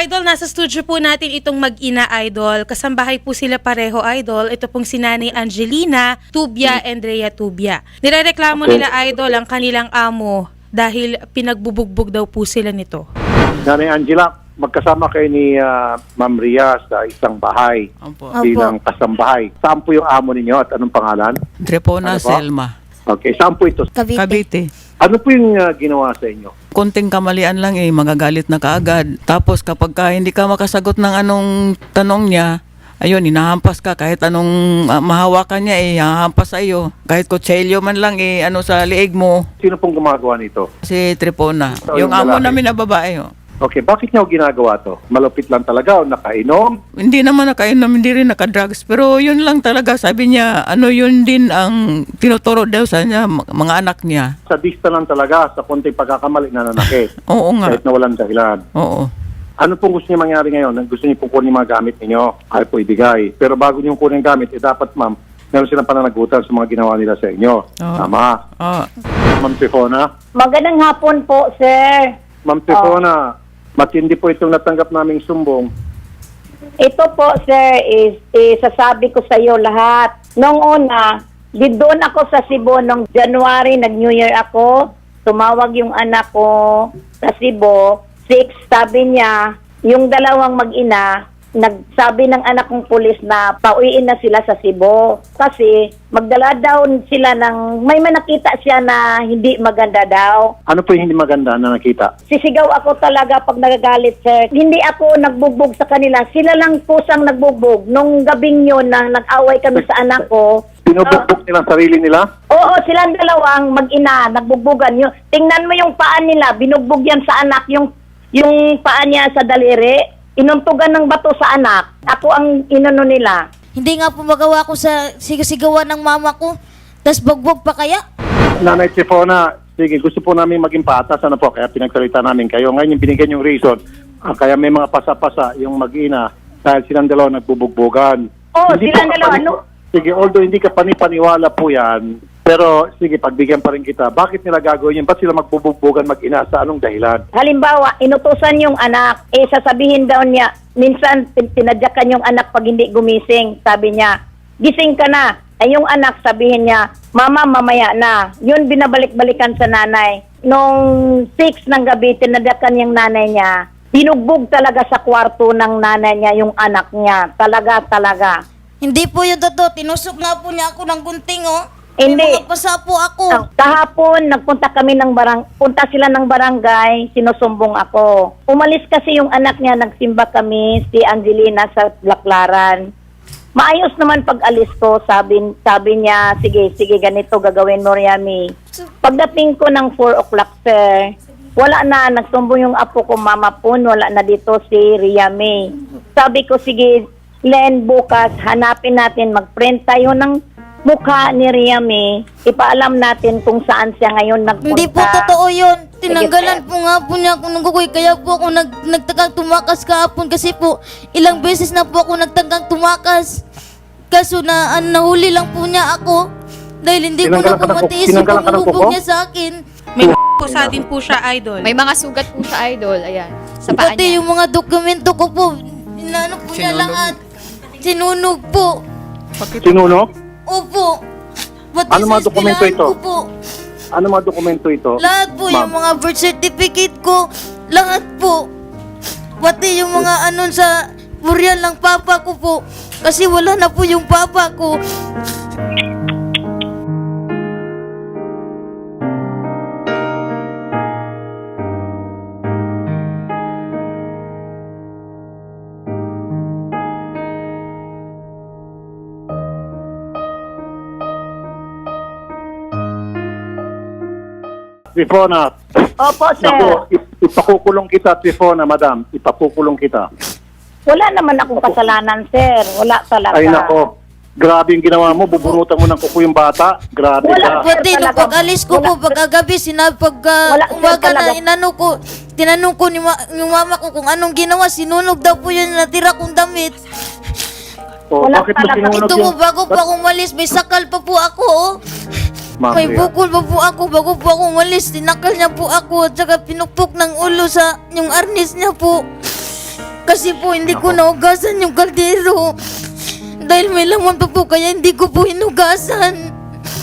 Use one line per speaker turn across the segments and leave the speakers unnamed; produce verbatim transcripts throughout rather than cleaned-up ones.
Idol, nasa studio po natin itong mag-ina, Idol. Kasambahay po sila pareho, Idol. Ito pong si Nanay Angelina Tubia and Rhea Tubia. Nirereklamo
Okay.
nila, Idol, ang kanilang amo dahil pinagbubugbog daw po sila nito.
Nanay Angela, magkasama kayo ni ah, Ma'am Rhea sa isang bahay
Opo.
bilang kasambahay. Saan po yung amo ninyo at anong pangalan?
Drepona
Ano po?
Selma.
Okay, saan po ito?
Cavite.
Cavite.
Ano po yung ah, ginawa sa inyo?
Konting kamalian lang eh, magagalit na kaagad. Tapos kapag ka hindi ka makasagot ng anong tanong niya, ayun, hinahampas ka. Kahit anong ah, mahawakan niya eh, hahampas sa iyo. Kahit kutselyo man lang eh, ano sa liig mo.
Sino pong gumagawa nito?
Si Trepona.
So,
Yung
yung
amo
lalaki.
namin na babae. Oh.
Okay, bakit niyo ginagawa to? Malupit lang talaga o nakainom?
Hindi naman nakainom, hindi rin nakadrugs. Pero yun lang talaga, sabi niya, ano yun din ang tinuturo daw sa niya, m- mga anak niya.
Sadista lang talaga sa konting pagkakamali na nanakit.
Oo nga.
Kahit na walang dahilan.
Oo.
Ano pong gusto niyo mangyari ngayon? Gusto niyo pong kunin yung mga gamit ninyo? Ay po ibigay. Pero bago niyo kunin yung gamit, eh dapat ma'am, meron silang pananagutan sa mga ginawa nila sa inyo.
Oo.
Tama.
Oo.
Ma'am Trifona?
Magandang hapon po, sir.
Ma'am Trifona, matindi po itong natanggap naming sumbong.
Ito po, sir, is, is sasabi ko sa iyo lahat. Nung una, di doon ako sa Cebu nung January, nag-New Year ako. Tumawag yung anak ko sa Cebu. Six, sabi niya, yung dalawang mag-ina, nagsabi ng anak kong pulis na pauwiin na sila sa Cebu. Kasi magdala daw sila ng, may manakita siya na hindi maganda daw.
Ano po yung hindi maganda na nakita?
Sisigaw ako talaga pag nagagalit, sir. Hindi ako nagbugbog sa kanila. Sila lang pusang nagbugbog. Nung gabing yun na nag-away kami sa anak ko.
Pinubugbog nila ang sarili nila?
Oo, silang dalawang mag-ina, nagbugbogan. Yung, tingnan mo yung paa nila, binugbog yan sa anak. Yung, yung paa niya sa daliri, inuntugan ng bato sa anak. Ako ang inano nila.
Hindi nga po magawa ko sa sigasigawan ng mama ko. Tas bagbog pa kaya?
Nanay Trifona, sige, gusto po namin maging patas. Ano po, kaya pinagsalita namin kayo. Ngayon yung binigyan yung reason. Ah, kaya may mga pasa-pasa yung mag-ina dahil silang dalawa nagbubugbogan.
Oo,
Hindi
silang
po
dalawa,
kapani-
ano?
Sige, although hindi ka panipaniwala po yan, pero sige, pagbigyan pa rin kita. Bakit nila gagawin yun? Ba't sila magbubugbogan mag-ina? Sa anong dahilan?
Halimbawa, inutusan yung anak, eh sasabihin daw niya, minsan tin- tinadyakan yung anak pag hindi gumising. Sabi niya, gising ka na. Ay yung anak, sabihin niya, mama, mamaya na. Yun binabalik-balikan sa nanay. Nung six ng gabi, tinadyakan yung nanay niya. Binugbog talaga sa kwarto ng nanay niya yung anak niya. Talaga, talaga.
Hindi po yung totoo. Tinusok nga po niya ako ng gunting, oh.
Hindi.
May mga pasa po ako.
Ah, kahapon, nagpunta kami ng barang, punta sila ng barangay, sinusumbong ako. Umalis kasi yung anak niya, nagsimba kami, si Angelina sa Laclaran. Maayos naman pag alis ko, sabi, sabi niya, sige, sige, ganito gagawin mo, Riami. Pagdating ko ng four o'clock, sir, wala na, nagsumbong yung apo ko, Mama Pun, wala na dito si Riami. Sabi ko, sige, Len, bukas, hanapin natin, mag-print tayo ng mukha ni Riami, ipaalam natin kung saan siya ngayon nagpunta.
Hindi po totoo yun.
Sige,
Tinanggalan po nga po niya ako ng kukoy. Kaya po ako nag, nagtagang tumakas kahapon kasi po ilang beses na po ako nagtagang tumakas. Kaso na an, nahuli lang po niya ako dahil hindi ko
Tinanggalan
na
ka ng
po
kuko?
matiis yung
Tinanggalan ka ng
pagbubugbog
kuko?
niya sa akin.
May pusa din po siya, Idol.
May mga sugat po sa idol, ayan, sa paa
Pati
niya.
yung mga dokumento ko po, inano po niya
Sinunog?
lahat. Sinunog po.
Sinuno?
Opo. Pati
Ano
sa
mga dokumento
eskwelahan
ito?
ko po.
Ano mga dokumento ito?
Lahat po,
Ma'am?
yung mga birth certificate ko, lahat po. Pati yung mga anon sa burial ng papa ko po. Kasi wala na po yung papa ko.
Trifona.
Opo, sir.
Naku, ip- ipakukulong kita, Trifona, madam. Ipakukulong kita.
Wala naman akong kasalanan, sir. Wala talaga.
Ay, nako. Grabe yung ginawa mo. Bubunutan mo ng kuko yung bata. Grabe
Wala.
ka.
Pati nung
talaga.
pag-alis ko po,
Wala.
pagkagabi, sinabi, pagka
Wala, sir,
umaga na
talaga.
inano ko, tinanong ko ni ma- yung mama ko kung anong ginawa, sinunog daw po yun natira kong damit.
O,
Wala
bakit mo
talaga.
sinunog
Ito po,
yung...
bago po ako umalis, may sakal pa po ako, oh.
Ma'am
May
Rhea.
bukol pa po ako bago po ako umalis. Tinakal niya po ako at saka pinukpok ng ulo sa yung arnis niya po. Kasi po hindi ko naugasan yung kaldero. Dahil may laman pa po kaya hindi ko po hinugasan.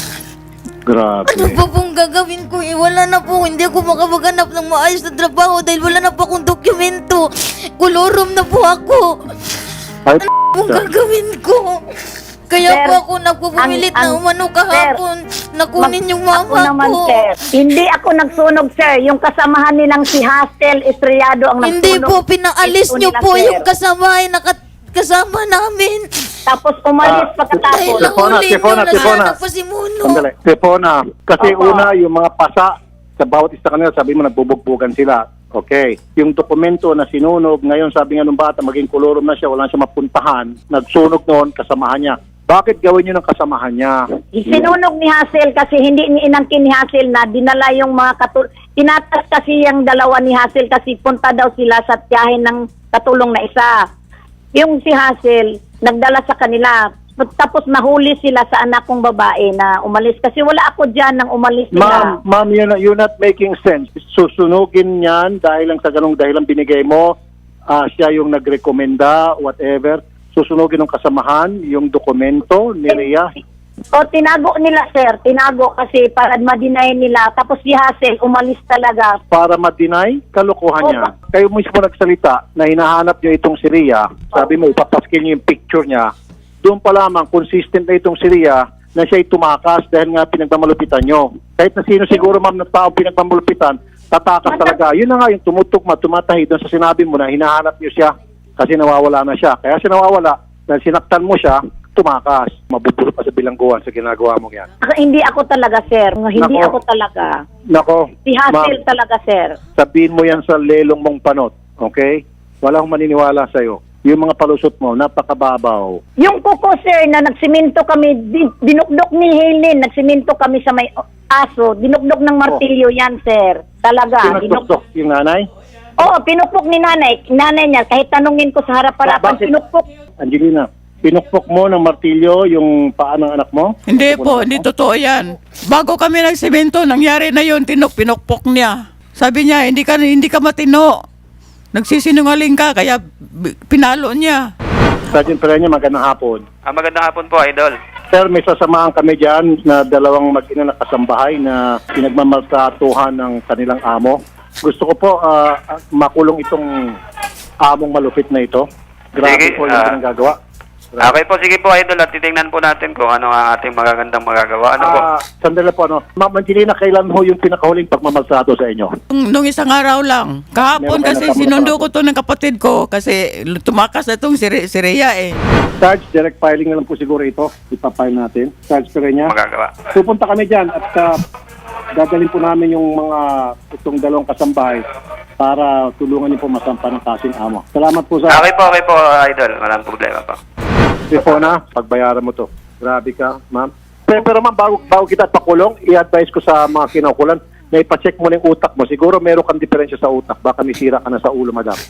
Grabe.
Ano pa pong gagawin ko eh? Wala na po. Hindi ako makapaghanap ng maayos na trabaho dahil wala na po akong dokumento. Kolorom na po ako.
Ay,
Ano pong gagawin ko? Kaya
Sir,
po ako nagpupumilit
ang-
na
ang-
umano kahapon. Nakunin
Mag-
yung mama
ako naman,
ko.
sir. Hindi ako nagsunog, sir. Yung kasamahan nilang si Hastel Estrellado ang nagsunog.
Hindi po, pinaalis
Ito
niyo
nila,
po
sir.
yung kasama nakat kasama namin.
Tapos umalis
Ah,
pagkatapos.
Dahil
Tefona,
nahuli niyo
Tefona,
na
Tefona.
sana po si Muno.
Sandali. Tefona, kasi
Opo.
una, yung mga pasa, sa bawat isa kanila, sabi mo, nagbubugbugan sila. Okay. Yung dokumento na sinunog, ngayon sabi nga nung bata, maging kolorom na siya, wala na siya mapuntahan, nagsunog noon, kasamahan niya. Bakit gawin niyo ng kasamahan niya?
Sinunog ni Hassel kasi hindi ni inangkin ni Hassel na dinala yung mga katul... Tinatas kasi yung dalawa ni Hassel kasi punta daw sila sa tiyahin ng katulong na isa. Yung si Hassel, nagdala sa kanila. Tapos nahuli sila sa anak kong babae na umalis. Kasi wala ako dyan nang umalis
Ma'am,
sila.
ma'am, you're not, you're not making sense. Susunugin niyan dahil lang sa ganung dahilan binigay mo, ah, siya yung nagrekomenda, whatever. Susunugin ng kasamahan, yung dokumento ni Rhea.
O tinago nila, sir. Tinago kasi para ma-deny nila. Tapos si Hassel umalis talaga.
Para ma-deny, kalokohan niya. Kayo mismo nagsalita na hinahanap niyo itong si Rhea. Sabi mo, ipapaskil niyo yung picture niya. Doon pa lamang, consistent na itong si Rhea na siya'y tumakas dahil nga pinagmamalupitan niyo. Kahit na sino siguro, ma'am, na tao pinagmamalupitan, tatakas talaga. Yun na nga yung tumutugma, tumatahi doon sa sinabi mo na hinahanap niyo siya kasi nawawala na siya. Kaya siya nawawala dahil sinaktan mo siya, tumakas. Mabubulot pa sa bilangguan sa ginagawa mo yan.
Ako, hindi ako talaga, sir. Hindi
Nako.
ako talaga.
Nako,
Si Hassel
ma'am,
talaga, sir.
sabihin mo yan sa lelong mong panot, okay? Wala akong maniniwala sa'yo. Yung mga palusot mo, napakababaw.
Yung kuko, sir, na nagsiminto kami, din- dinukdok ni Helen, nagsiminto kami sa may aso, dinukdok ng martilyo yan, sir. Talaga. Dinukdok.
Pinagtuktok yung nanay?
Oo, pinukpok ni nanay. Nanay niya, kahit tanungin ko sa harap-harapan,
Bakit?
pinukpok.
Angelina, pinukpok mo ng martilyo yung paa ng anak mo?
Hindi po, hindi totoo yan. Bago kami nagsemento, nangyari na yun, tinok, pinukpok niya. Sabi niya, hindi ka, hindi ka matino. Nagsisinungaling ka, kaya b- pinalo niya.
Sergeant Pereña, magandang hapon.
Ah, magandang hapon po, Idol.
Sir, may sasamahan kami dyan na dalawang mag-ina na kasambahay na pinagmamaltratuhan ng kanilang amo. Gusto ko po ah, ah, makulong itong among malupit na ito. Grabe
Sige,
po yung
ah,
pinanggagawa.
Okay po, sige po, Idol. At titingnan po natin kung ano ang ating magagandang magagawa. Ano po?
Ah, sandali po, ano. Ma'am Angelina, kailan ho yung pinakahuling pagmamaltrato sa inyo?
Nung, nung isang araw lang. Kahapon
Meron kayo
kasi
nakapagtrato?
sinundo ko to ng kapatid ko kasi tumakas na itong si, Re- si Rhea eh.
Sarge, direct filing na lang po siguro ito. Ipapile natin. Sarge Pereña.
Magagawa.
Pupunta kami dyan at uh, dadalhin po namin yung mga itong dalawang kasambahay para tulungan niyo po masampa ng kasing amo. Salamat po sa
Okay po, okay po, Idol. Walang problema po.
telefona. Pagbayaran mo to. Grabe ka, ma'am. Pero, pero ma'am, bago, bago kita pakulong, i-advise ko sa mga kinaukulan na ipacheck mo na yung utak mo. Siguro meron kang diferensya sa utak. Baka may sira ka na sa ulo, madam.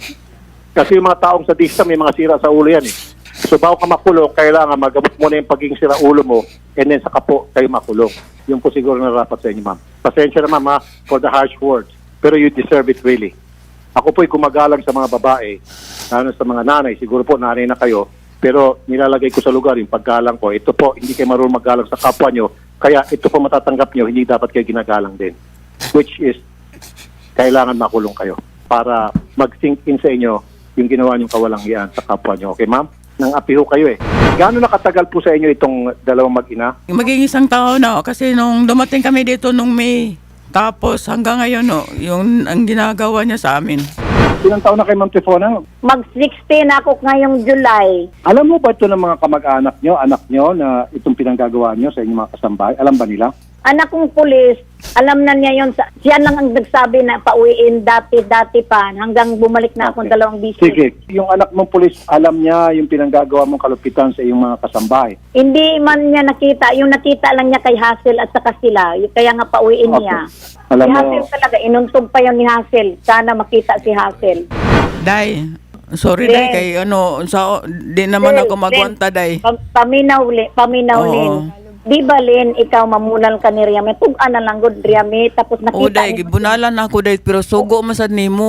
Kasi yung mga taong sa dista, may mga sira sa ulo yan eh. So bago ka makulong, kailangan magamot mo na yung pagiging sira ulo mo and then saka po kayo makulong. Yung po siguro narapat sa inyo, ma'am. Pasensya na, ma'am, ha, for the harsh words. Pero you deserve it really. Ako po'y gumagalang sa mga babae, lalo sa mga nanay. Siguro po, nanay na kayo. Pero nilalagay ko sa lugar yung paggalang ko. Ito po, hindi kayo marunong maggalang sa kapwa nyo. Kaya ito po matatanggap nyo, hindi dapat kayo ginagalang din. Which is, kailangan makulong kayo para mag-sink in sa inyo yung ginawa nyong kawalangian sa kapwa nyo. Okay, ma'am? Nang apiho kayo eh. Gaano nakatagal po sa inyo itong dalawang mag-ina?
Maging isang taon na kasi nung dumating kami dito nung May. Tapos hanggang ngayon no, yung ang ginagawa niya sa amin.
Ilang taon na kay Ma'am Tefona?
Mag sixteen ako ngayong July.
Alam mo ba ito ng mga kamag-anak nyo, anak nyo, na itong pinanggagawa nyo sa inyong mga kasambahay? Alam ba nila?
Anak kong pulis, alam na niya yun. Sa, siya lang ang nagsabi na pauwiin dati-dati pa hanggang bumalik na akong
Okay.
dalawang bisis.
Sige, yung anak mong pulis, alam niya yung pinanggagawa mong kalupitan sa iyong mga kasambahay.
Hindi man niya nakita. Yung nakita lang niya kay Hassel at saka sila. Y- Kaya nga pauwiin
Okay.
niya.
Alam
si
mo-
Hassel talaga. Inuntog pa yun ni Hassel. Sana makita si Hassel.
Day, sorry
Then-
Day, kay ano, sa, di naman
Then-
ako magwanta Day.
Pam- paminaw, li- paminaw
Oo.
Lin. Di ba, Lin, ikaw mamunan ka ni Riame? Tug-an na lang good, Riame. Tapos
O
nakita
Day, gibunalan ako Day, pero sugo masad nimo.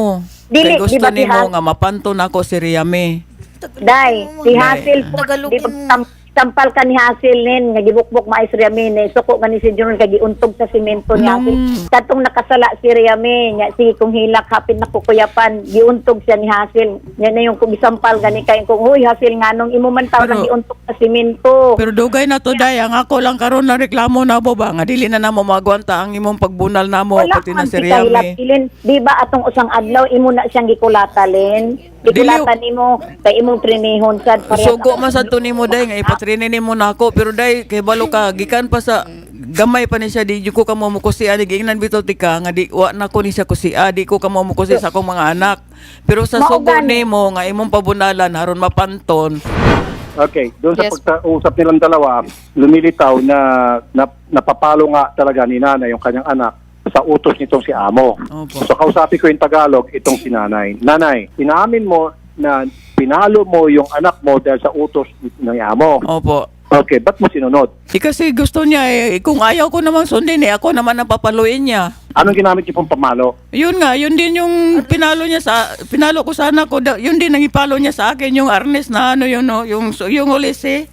Dili,
Kay gusto
di ba
ni
si
mo
Has-
nga mapanton ako si Riame.
Day, si
Day.
Hasil po,
Tagalogin
di ba
mo.
tam- tampal ka ni Hasil nin, nga gibukbok maay si Riame, ni suko nga ni si Junior, kay giuntog sa simento ni
Nung-
Hasil. Katong nakasala si Riame, nga si kung hilak, hapit na kukuyapan, giuntog siya ni Hasil. Yan na yung kung isampal gani kay kung, huy Hasil nga nung imo man tao
Pero-
na giuntog sa simento.
Pero dugay na to day, ang ako lang karon na reklamo na mo ba nga dili na namo magwanta ang imong pagbunal namo
Wala
pati na
man
si
si
Riame.
kahilapilin. Di ba atong usang adlaw, imo na siyang gikulatalin. Gikulatan nimo, kay imong trinihon sad.
Sugo man sa to nimo day nga ipatrinin nimo na ako pero day kay balo ka gikan pa sa gamay pa ni siya di ko ka mo mukusi ani giingnan bitaw tika nga di wa na ko ni siya kusi di ko ka mo mukusi sa akong mga anak. Pero sa
Mao
sugo
gani.
nimo nga imong pabunalan aron mapanton.
Okay, doon sa
Yes.
pagkausap nilang dalawa, lumilitaw na, na napapalo nga talaga ni nanay yung kanyang anak sa utos nitong si Amo.
Opo.
So kausapin ko yung Tagalog, itong si nanay. Nanay, inamin mo na pinalo mo yung anak mo dahil sa utos ng Amo.
Opo.
Okay, ba't mo sinunod?
Eh kasi gusto niya eh, kung ayaw ko namang sundin eh, ako naman ang papaluin niya.
Anong ginamit niyo pong pamalo?
Yun nga, yun din yung pinalo niya sa, pinalo ko sa anak ko, da- yun din ang ipalo niya sa akin, yung arnes na ano yun, no, yung, yung ulis eh.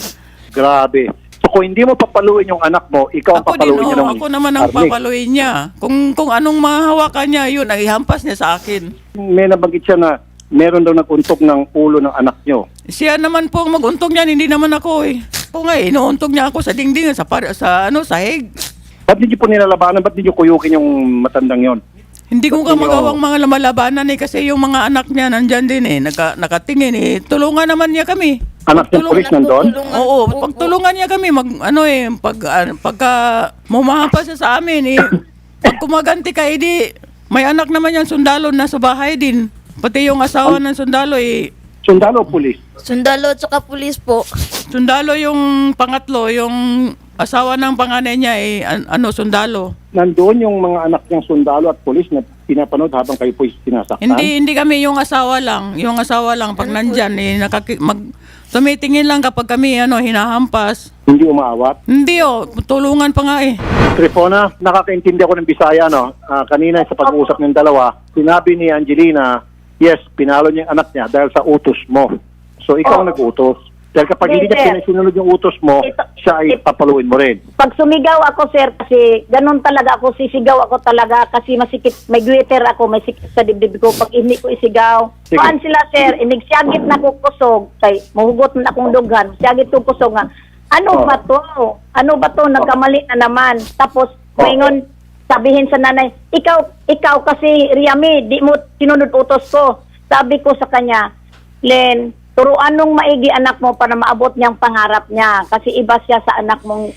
Grabe. So kung hindi mo papaluin yung anak mo, ikaw ang
Ako din,
papaluin niya
oh,
ng
ako naman ang
arnis.
papaluin niya. Kung, kung anong mahawakan niya, yun, ang ihampas niya sa akin.
May nabanggit siya na meron daw naguntog ng ulo ng anak niyo.
Siya naman po ang mag-untog niyan, hindi naman ako eh. Ako nga eh, inuuntog niya ako sa dingding, sa, par- sa ano, sahig.
Ba't hindi po nilalabanan? Ba't hindi niyo kuyukin yung matandang yon?
Hindi ko
Ba't
nga
ninyo-
magawang mga lumalabanan eh, kasi yung mga anak niya nandyan din eh, naka, nakatingin eh. Tulungan naman niya kami.
Anak ng
Tulungan-
pulis nandun?
Oo, pagtulungan niya kami mag ano eh pag ah, pagka mumahampas siya sa amin eh pag kumaganti ka edi may anak naman yan sundalo na sa bahay din. Pati yung asawa ng sundalo eh
Sundalo o pulis?
Sundalo at saka pulis po.
sundalo yung pangatlo, yung asawa ng panganay niya eh an- ano sundalo.
Nandoon yung mga anak niyang sundalo at pulis na pinapanood habang kayo po sinasaktan?
Hindi hindi kami yung asawa lang, yung asawa lang pag nandyan eh nakaki- mag tumitingin lang kapag kami ano hinahampas.
Hindi umaawat?
Hindi oh, tulungan pa nga eh.
Trifona, nakakaintindi ako ng Bisaya, no? Ah, kanina sa pag-uusap ng dalawa, sinabi ni Angelina, yes, pinalo niya yung anak niya dahil sa utos mo. So, ikaw ang
Oo.
nag-utos. Dahil kapag hindi
Hindi,
niya
sir.
sinunod yung utos mo,
Ito-
siya ay papaluin mo rin.
Pag sumigaw ako, sir, kasi ganun talaga ako, sisigaw ako talaga kasi masikip, may glitter ako, may sikip sa dibdib ko. Pag hindi ko isigaw,
Sige.
kuan sila, sir, inigsyagit na ko kusog, kay mahugot na akong dughan, syagit ko kusog nga, ano
Oh.
ba to? Ano ba to? Nagkamali na naman. Tapos,
Oh.
maingon, sabihin sa nanay, ikaw, ikaw kasi, Riami, di mo sinunod utos ko. Sabi ko sa kanya, Len, turuan nung maigi anak mo para maabot niyang pangarap niya. Kasi iba siya sa anak mong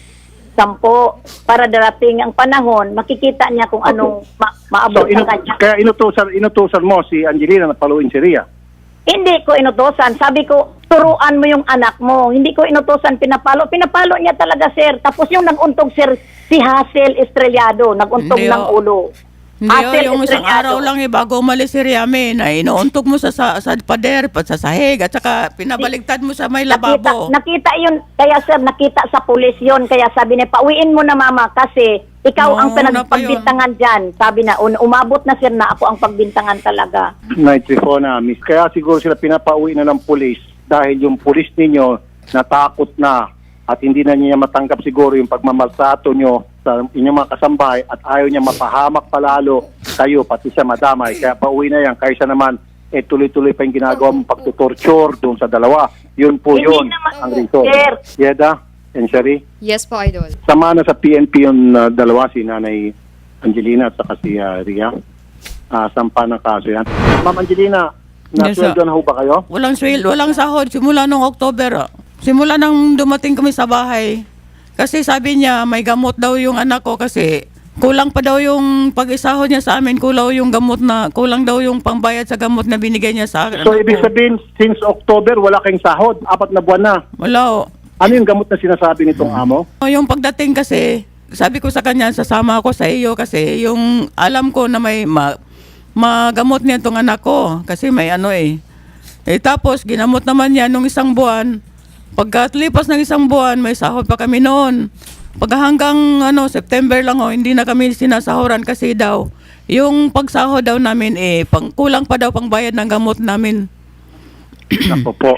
sampo. Para darating ang panahon, makikita niya kung anong ma- maabot
So,
sa
inu-
kanya.
kaya inutusan, inutusan mo si Angelina na paluin si Ria.
Hindi ko inutosan. Sabi ko, turuan mo yung anak mo. Hindi ko inutosan, pinapalo. Pinapalo niya talaga, sir. Tapos yung nag-untog, sir, si Hazel Estrellado. Nag-untog
Hindi,
ng
oh.
ulo.
Hindi
Hazel
oh, yung isang
Estrellado.
araw lang eh, bago umalis si Riame, na inuuntog mo sa, sa, sa pader, pa sa sahig, at saka pinabaligtad mo sa may lababo.
Nakita, nakita yun. Kaya, sir, nakita sa pulis yun. Kaya sabi niya, pauwiin mo na, mama, kasi ikaw
Oo,
ang
una pa yun.
pinagbintangan dyan. Sabi na, un- umabot na, sir, na ako ang pagbintangan talaga.
Night Trifona, miss. Kaya siguro sila pinapauwi na ng pulis dahil yung pulis ninyo natakot na at hindi na niya matanggap siguro yung pagmamaltrato nyo sa inyong mga kasambahay at ayaw niya mapahamak palalo kayo, pati siya madamay. Kaya pauwi na yan. Kaysa naman, eh tuloy-tuloy pa yung ginagawa mong pagtutorture doon sa dalawa. Yun po
Hindi
yun
naman,
ang reason.
sir.
Yeda and Shari,
Yes po, Idol.
sama na sa P N P yung uh, dalawa, si Nanay Angelina at saka si uh, Ria. Uh, sampa ng kaso yan. Ma'am Angelina,
Yes, sir.
nasweldo na ho ba kayo?
Walang swel, walang sahod, simula nung October. ah. Simula nang dumating kami sa bahay. Kasi sabi niya, may gamot daw yung anak ko kasi kulang pa daw yung pag-isahod niya sa amin, kulang yung gamot na, kulang daw yung pangbayad sa gamot na binigay niya sa akin.
So, ibig sabihin, since October, wala kayong sahod. Apat na buwan na.
Wala oh.
Ano yung gamot na sinasabi nitong amo?
Yung pagdating kasi, sabi ko sa kanya, sasama ako sa iyo kasi yung alam ko na may ma, magamot niya itong anak ko kasi may ano eh. Eh tapos, ginamot naman niya nung isang buwan. Pagkatlipas ng isang buwan, may sahod pa kami noon. Pag hanggang ano, September lang oh, hindi na kami sinasahuran kasi daw Yung pagsahod daw namin eh, pang, kulang pa daw pang bayad ng gamot namin.
Ako po.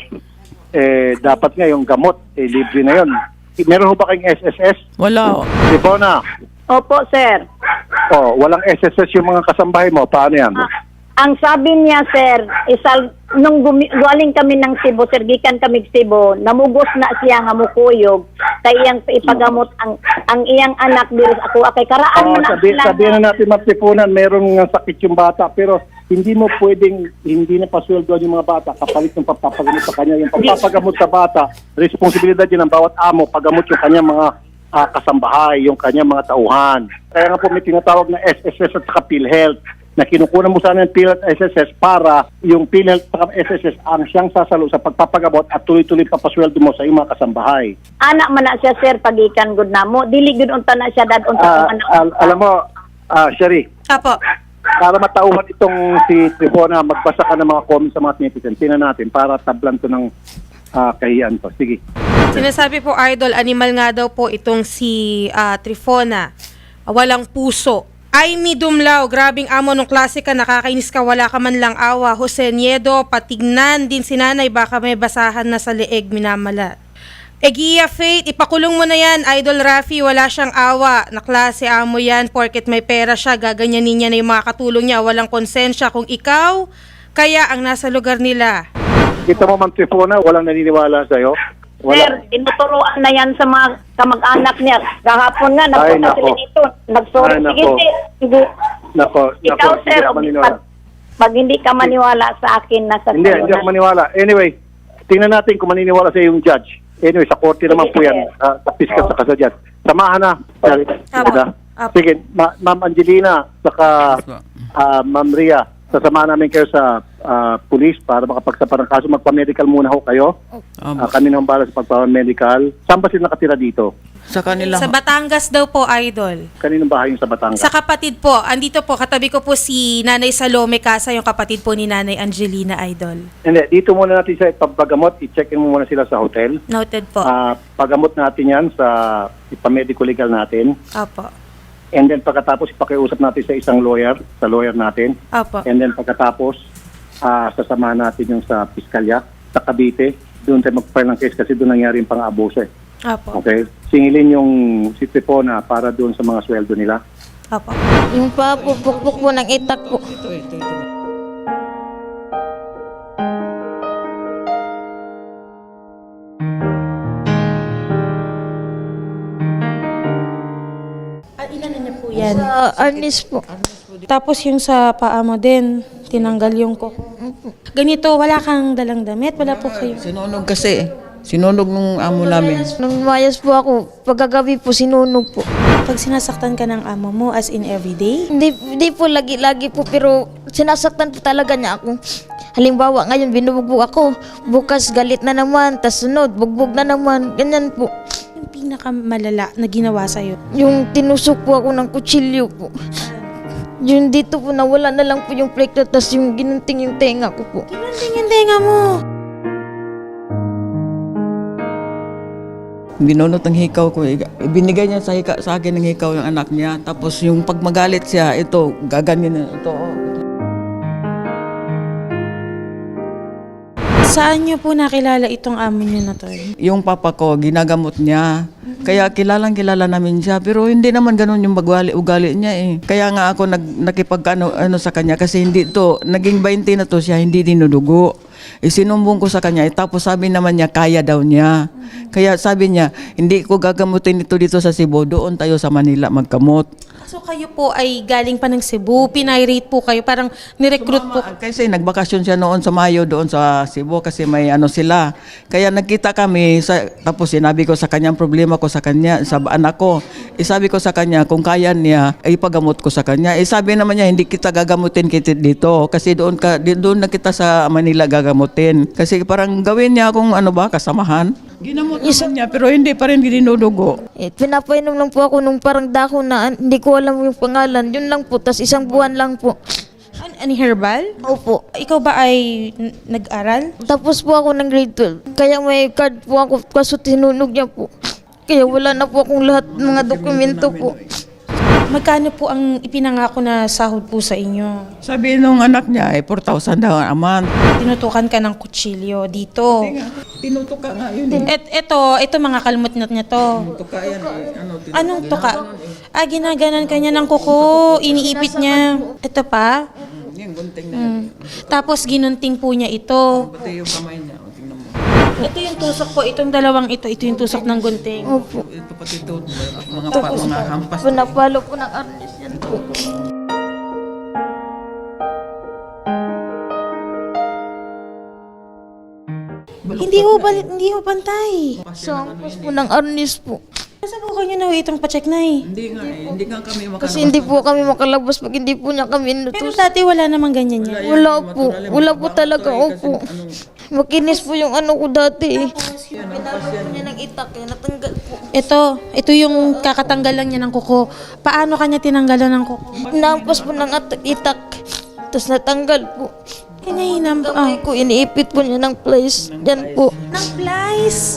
Eh, dapat nga yung gamot, eh, libre na yun. Meron ho ba kayong S S S?
Wala.
Trifona,
Opo, sir.
oh, walang S S S yung mga kasambahay mo. Paano yan?
Ang sabi niya, sir, isal, nung gumi, galing kami ng Cebu, sir, gikan kami Cebu, namugos na siya nga mukuyog, kay iyang ipagamot ang ang iyang anak diri ako akay karaan
Oh,
mo na
sabi,
sila.
sabihin na natin matipunan, merong nga sakit yung bata, pero hindi mo pwedeng, hindi na pasweldo yung mga bata kapalit ng papagamot sa kanya. Yung papagamot sa bata, responsibilidad yun ng bawat amo, pagamot yung kanyang mga ah, kasambahay, yung kanyang mga tauhan. Kaya nga po may tinatawag na S S S at saka PhilHealth, na kinukunan mo sana ng PhilHealth at S S S para yung PhilHealth at saka S S S ang siyang sasalo sa pagpapagamot at tuloy-tuloy papasweldo mo sa iyong mga kasambahay.
Anak man na siya, sir, pagikan gud namo. Dili gud unta na siya dad unta
Ah,
ang anak.
al- alam mo, ah, Sherry,
Apo.
para matauhan itong si Trifona, magbasa ka ng mga comments sa mga netizens. Tingnan natin para tablan to ng ah, kahiyan to. Sige.
Sinasabi po, Idol, animal nga daw po itong si ah, Trifona. Walang puso. Ay, mi dumlaw, grabing amo nung klase ka, nakakainis ka, wala ka man lang awa. Jose Niedo, patignan din si nanay, baka may basahan na sa leeg, minamala. Egia Faith, ipakulong mo na yan, Idol Rafi, wala siyang awa. Na klase amo yan, porket may pera siya, gaganyanin niya na yung mga katulong niya, walang konsensya. Kung ikaw, kaya ang nasa lugar nila.
Kita mo, Ma'am Trifona, walang naniniwala sa'yo.
Sir,
Wala.
tinuturuan na yan sa mga kamag-anak niya. Kahapon nga,
Ay,
nagpunta
nako.
sila dito. Nagsorry.
Ay,
Sige,
nako.
sir. Sige.
Nako, nako,
Ikaw,
hindi
sir,
ako maniniwala.
pag, pag hindi ka maniwala sa akin, nasa
Hindi,
sayo
hindi ako
na.
maniwala. Anyway, tingnan natin kung maniniwala sa yung judge. Anyway, sa korte naman po yan, uh, sa piskat sa kasadyan. Samahan na. Sorry.
Apo.
Diba?
Apo.
Sige, Ma- Ma'am Angelina, saka ah, Ma'am Ria, sasamahan namin kayo sa ah, police para makapagsapan ng kaso. Magpa-medical muna ho kayo.
Um,
Ah, kami nang bala sa pagpa-medical. Saan ba sila nakatira dito?
sa kanila.
Sa Batangas daw po, Idol.
Kaninong bahay yung sa Batangas?
Sa kapatid po, andito po, katabi ko po si Nanay Salome Casa, yung kapatid po ni Nanay Angelina, Idol.
Hindi, dito muna natin sa ipapagamot. I-check in mo muna sila sa hotel.
Noted po.
Ah, pagamot natin yan sa ipamedico legal natin.
Opo.
And then pagkatapos ipakiusap natin sa isang lawyer, sa lawyer natin.
Opo.
And then pagkatapos ah sasamahan natin yung sa piskalya, sa Cavite. Doon tayo mag-file ng case kasi doon nangyari yung pang-abuso eh.
Opo.
Okay? Singilin yung si Trifona para doon sa mga sweldo nila.
Opo.
Yung pa po, pukpuk po ng itak po.
Ah, ilan na niya po yan?
Sa Arnis po.
Tapos yung sa paa mo din, tinanggal yung ko. Ganito, wala kang dalang damit? Wala po kayo?
Sinunog kasi. Sinunog nung amo namin.
Nung mayas po ako, pagkagabi po, sinunog po.
Pag sinasaktan ka ng amo mo, as in everyday?
Hindi, hindi po lagi-lagi po, pero sinasaktan po talaga niya ako. Halimbawa, ngayon binubugbog ako, bukas galit na naman, tas sunod, bugbog na naman, ganyan po.
Yung pinakamalala na ginawa sa'yo?
Yung tinusok po ako ng kutsilyo po. Yung dito po, nawala na lang po yung plate, tas yung ginunting yung tenga ko po.
Kinunting-tinga mo.
Binunot ng hikaw ko. eh. Binigay niya sa, hika, sa akin ng hikaw yung anak niya. Tapos yung pag magalit siya, ito, gaganyan na ito. oh.
Saan niyo po nakilala itong amo niyo na to?
Yung papa ko, ginagamot niya. Kaya kilalang kilala namin siya. Pero hindi naman ganun yung bagwali, ugali niya eh. Kaya nga ako nag, nakipag ano, ano sa kanya kasi hindi to, naging twenty na to siya, hindi dinudugo. Isinumbong ko sa kanya, eh, tapos sabi naman niya, kaya daw niya. Kaya sabi niya, hindi ko gagamutin ito dito sa Cebu, doon tayo sa Manila magkamot.
So kayo po ay galing pa ng Cebu, pinirate po kayo, parang nirecruit po.
Kasi nagbakasyon siya noon sa Mayo doon sa Cebu kasi may ano sila. Kaya nagkita kami, sa, tapos sinabi ko sa kanya ang problema ko sa kanya, sa anak ko. Isabi ko sa kanya, kung kaya niya, ay pagamot ko sa kanya. Eh sabi naman niya, hindi kita gagamutin kita dito kasi doon, ka, di- doon na kita sa Manila gagamutin. Kasi parang gawin niya kung ano ba, kasamahan. Ginamot naman niya pero hindi pa rin dinudugo.
Eh, pinapainom lang po ako nung parang dahon na hindi ko alam yung pangalan. Yun lang po, tas isang buwan lang po.
An ani herbal?
Opo.
Ikaw ba ay n- nag-aral?
Tapos po ako ng grade twelve. Kaya may card po ako kaso tinunog niya po. Kaya wala na po akong lahat ng mga dokumento po.
Magkano po ang ipinangako na sahod po sa inyo?
Sabi nung anak niya ay four thousand daw a month.
Tinutukan ka ng kutsilyo dito.
Tinutok ka nga yun eh.
Et, eto, ito mga kalmot-not niya to.
Tinutok ka yan eh. Ano, tinutok.
Anong tuka? Ah, ginaganan ka niya ng kuko. Iniipit niya. Ito pa?
Yung gunting na
Hmm. Tapos ginunting po niya ito.
pati yung kamay niya. O, tingnan mo.
Ito yung tusok po. Itong dalawang ito. Ito yung tusok ng gunting.
Opo.
Ito pati ito. Mga, pa, mga hampas.
Pinapalo po ng arnis yan po.
Hindi ho, bal- hindi ho pantay.
Sa hampas po ng arnis po.
Nasa po kayo na ho itong pacheck na eh.
Hindi nga eh. Hindi nga kami makalabas.
Kasi hindi po kami makalabas pag hindi po niya kami
Pero
inutos.
dati wala namang ganyan yan.
Wala po. Wala po talaga. Opo. Makinis po yung ano ko dati eh. Pinalo po niya ng itak eh. Natanggal po.
Ito, ito yung kakatanggal lang niya ng kuko. Paano kanya tinanggalan ng kuko?
Nampas po ng at- itak. Tapos natanggal po.
Kanya hinam ah.
Kamay ko, iniipit po niya ng place. Yan po.
Ng flies.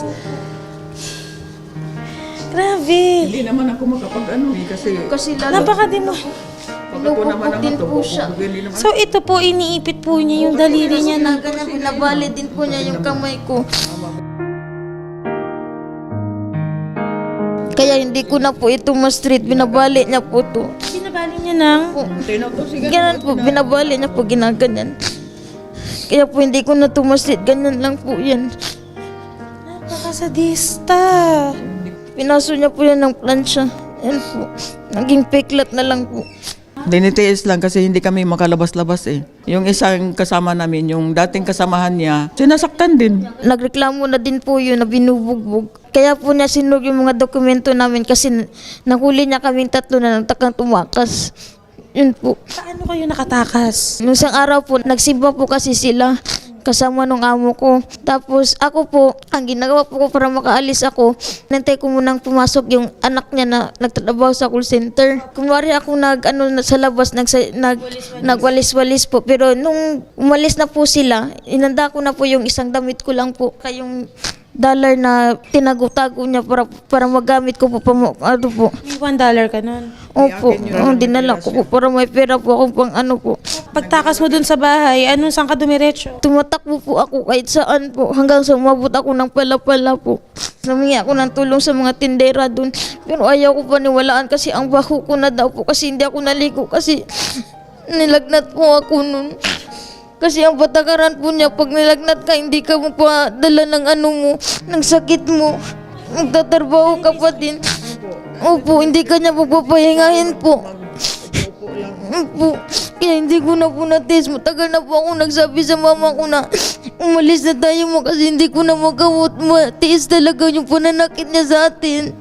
Grabe.
Hindi naman ako makapag ano eh. Kasi
Kasi lalo
Napakademo.
pag ako naman ang
din
ito,
po siya.
hindi naman.
So ito po, iniipit po niya yung daliri niya na.
na ganyan, pinabali din po niya yung kamay ko. Kaya hindi ko na po ito ma-street, binabali niya po to.
Sinabali niya ng...
Tinutok siya.
Ganyan po, binabali niya po, ginaganyan. Kaya po hindi ko na to ma-street, ganyan lang po yan.
Napakasadista.
Pinaso niya po yan ng plancha. Yan po, naging peklat na lang po.
Dinitiis lang kasi hindi kami makalabas-labas eh. Yung isang kasama namin, yung dating kasamahan niya, sinasaktan din.
Nagreklamo na din po yun na binubugbog. Kaya po niya sinug yung mga dokumento namin kasi nahuli niya kaming tatlo na nagtakang tumakas. Yun po.
Paano kayo nakatakas?
Nung isang araw po, nagsimba po kasi sila kasama nung amo ko. Tapos ako po, ang ginagawa po ko para makaalis ako, nantay ko munang pumasok yung anak niya na nagtatrabaho sa call center. Kunwari ako nag, ano, na- sa labas, nag, nag, nagwalis-walis po. Pero nung umalis na po sila, inanda ko na po yung isang damit ko lang po. Kayong dollar na tinago-tago niya para para magamit ko po pa ano po.
May one dollar ka nun.
Opo, oh, dinala ko po para may pera po ako pang ano po.
Pagtakas mo dun sa bahay, anong saan ka dumiretso?
Tumatakbo po ako kahit saan po hanggang sa umabot ako ng pala-pala po. Namingi ako ng tulong sa mga tindera dun. Pero ayaw ko paniwalaan kasi ang baho ko na daw po kasi hindi ako naligo kasi nilagnat po ako nun. Kasi ang patakaran po niya, pag nilagnat ka, hindi ka mo pa dala ng ano mo, ng sakit mo. Magtatrabaho ka pa din. Opo, hindi ka niya pagpapahingahin po. Opo, kaya hindi ko na po natis. Matagal na po ako nagsabi sa mama ko na umalis na tayo mo kasi hindi ko na magawot. Matiis talaga yung pananakit niya sa atin.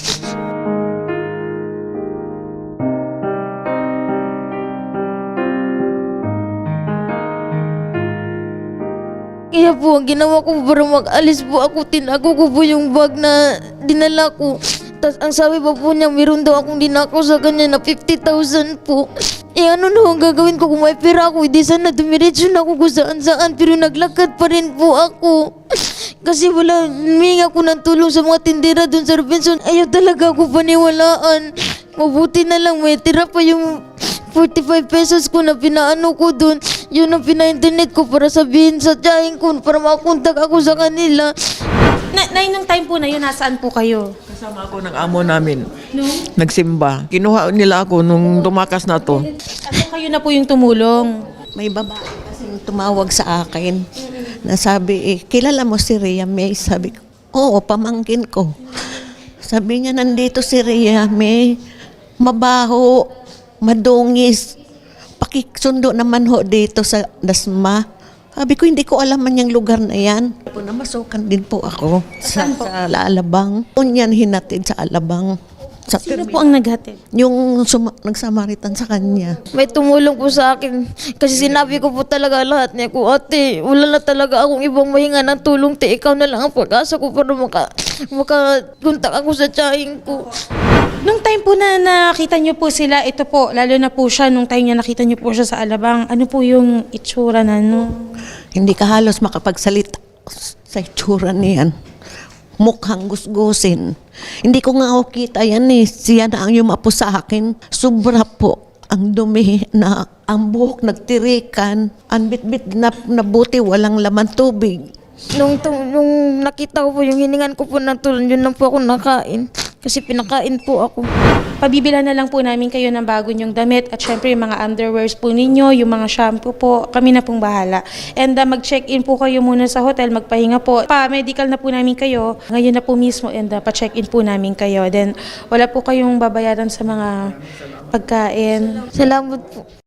Kaya po, ang ginawa ko para mag-alis po ako, tinago ko po yung bag na dinala ko. Tapos ang sabi pa po niya, meron daw akong dinako sa kanya na fifty thousand po. Eh ano na ang gagawin ko kung may pera ako? Hindi sana dumiretso na ako kung saan saan, pero naglakad pa rin po ako. Kasi wala, humingi ako ng tulong sa mga tindera dun sa Robinson. Ayaw talaga ako paniwalaan. Mabuti na lang, may tira pa yung forty-five pesos ko na pinaano ko dun. Yun ang pina-internet ko para sabihin sa tiyahin ko para makontak ako sa kanila.
Na, na nung time po na yun, nasaan po kayo?
Kasama ako ng amo namin. Nagsimba. Kinuha nila ako nung tumakas na to.
Ano kayo na po yung tumulong?
May babae kasing tumawag sa akin na sabi, eh, kilala mo si Rhea May? Sabi ko, oo, pamangkin ko. Sabi niya, nandito si Rhea May, mabaho, madungis, pakisundo naman ho dito sa Dasma. Sabi ko, hindi ko alam man yung lugar na yan. Po, namasukan din po ako sa, sa Alabang. Unyan hinatid sa Alabang. Sa
Sino po ang naghatid?
yung suma- nagsamaritan sa kanya.
May tumulong po sa akin. Kasi sinabi ko po talaga lahat niya ko, ate, wala na talaga akong ibang mahinga ng tulong, te, ikaw na lang ang pag-asa ko para maka, makakontak ako sa tiyahin ko.
Nung time po na nakita niyo po sila, ito po, lalo na po siya, nung time niya nakita niyo po siya sa Alabang, ano po yung itsura na no?
Hindi ka halos makapagsalita sa itsura niyan. mukhang gusgusin. Hindi ko nga ako kita yan eh. Siya na ang yumapo sa akin. Sobra po ang dumi na ang buhok nagtirikan. Ang bitbit na nabuti walang laman tubig.
Nung, tu- nung nakita ko po yung hiningan ko po ng tulong, yun lang po ako nakain. Kasi pinakain po ako.
Pabibilan na lang po namin kayo ng bago nyong damit at syempre yung mga underwears po ninyo, yung mga shampoo po, kami na pong bahala. And uh, mag-check-in po kayo muna sa hotel, magpahinga po. Pa-medical na po namin kayo, ngayon na po mismo and uh, pa-check-in po namin kayo. Then wala po kayong babayaran sa mga pagkain.
Salamat po.